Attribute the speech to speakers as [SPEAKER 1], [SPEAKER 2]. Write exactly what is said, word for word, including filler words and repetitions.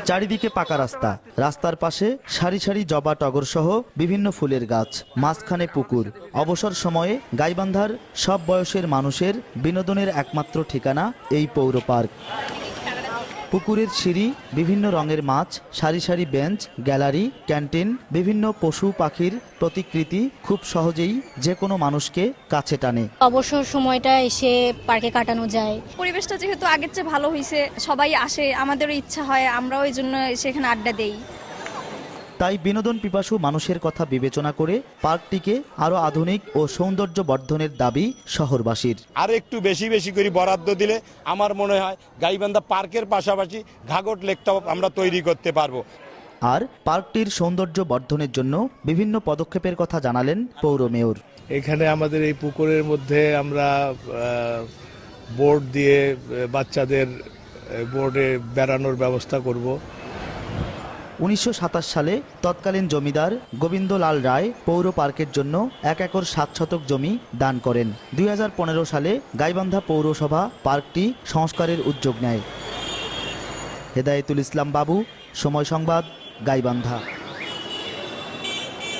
[SPEAKER 1] চারিদিকে পাকা রাস্তা, রাস্তার পাশে সারি সারি জবা টগর সহ বিভিন্ন ফুলের গাছ, মাঝখানে পুকুর। অবসর সময়ে গাইবান্ধার সব বয়সের মানুষের বিনোদনের একমাত্র ঠিকানা এই পৌর পার্ক। পুকুরের সিঁড়ি, বিভিন্ন রঙের মাছ, সারি সারি বেঞ্চ, গ্যালারি, ক্যান্টিন, বিভিন্ন পশু পাখির প্রতিকৃতি খুব সহজেই যে কোনো মানুষকে কাছে টানে।
[SPEAKER 2] অবসর সময়টা এসে পার্কে কাটানো যায়।
[SPEAKER 3] পরিবেশটা যেহেতু আগের চেয়ে ভালো হয়েছে, সবাই আসে, আমাদেরও ইচ্ছা হয়, আমরাও এই জন্য সেখানে আড্ডা দেই।
[SPEAKER 1] তাই বিনোদন পিপাসু মানুষের কথা বিবেচনা করে পার্কটিকে আরো আধুনিক ও সৌন্দর্য বর্ধনের দাবি শহরবাসীর।
[SPEAKER 4] আর একটু বেশি বেশি করে বরাদ্দ দিলে আমার মনে হয় গাইবান্ধা পার্কের পাশাপাশি ঘাঘট লেকটাও আমরা তৈরি করতে পারবো।
[SPEAKER 1] আর পার্কটির সৌন্দর্য বর্ধনের জন্য বিভিন্ন পদক্ষেপের কথা জানালেন পৌর মেয়র।
[SPEAKER 5] এখানে আমাদের এই পুকুরের মধ্যে আমরা বোর্ড দিয়ে বাচ্চাদের বোর্ডে বেড়ানোর ব্যবস্থা করব।
[SPEAKER 1] উনিশশো সাতাশ সালে তৎকালীন জমিদার গোবিন্দলাল রায় পৌর পার্কের জন্য এক একর সাত শতক জমি দান করেন। দুই হাজার পনেরো সালে গাইবান্ধা পৌরসভা পার্কটি সংস্কারের উদ্যোগ নেয়। হেদায়েতুল ইসলাম বাবু, সময় সংবাদ, গাইবান্ধা।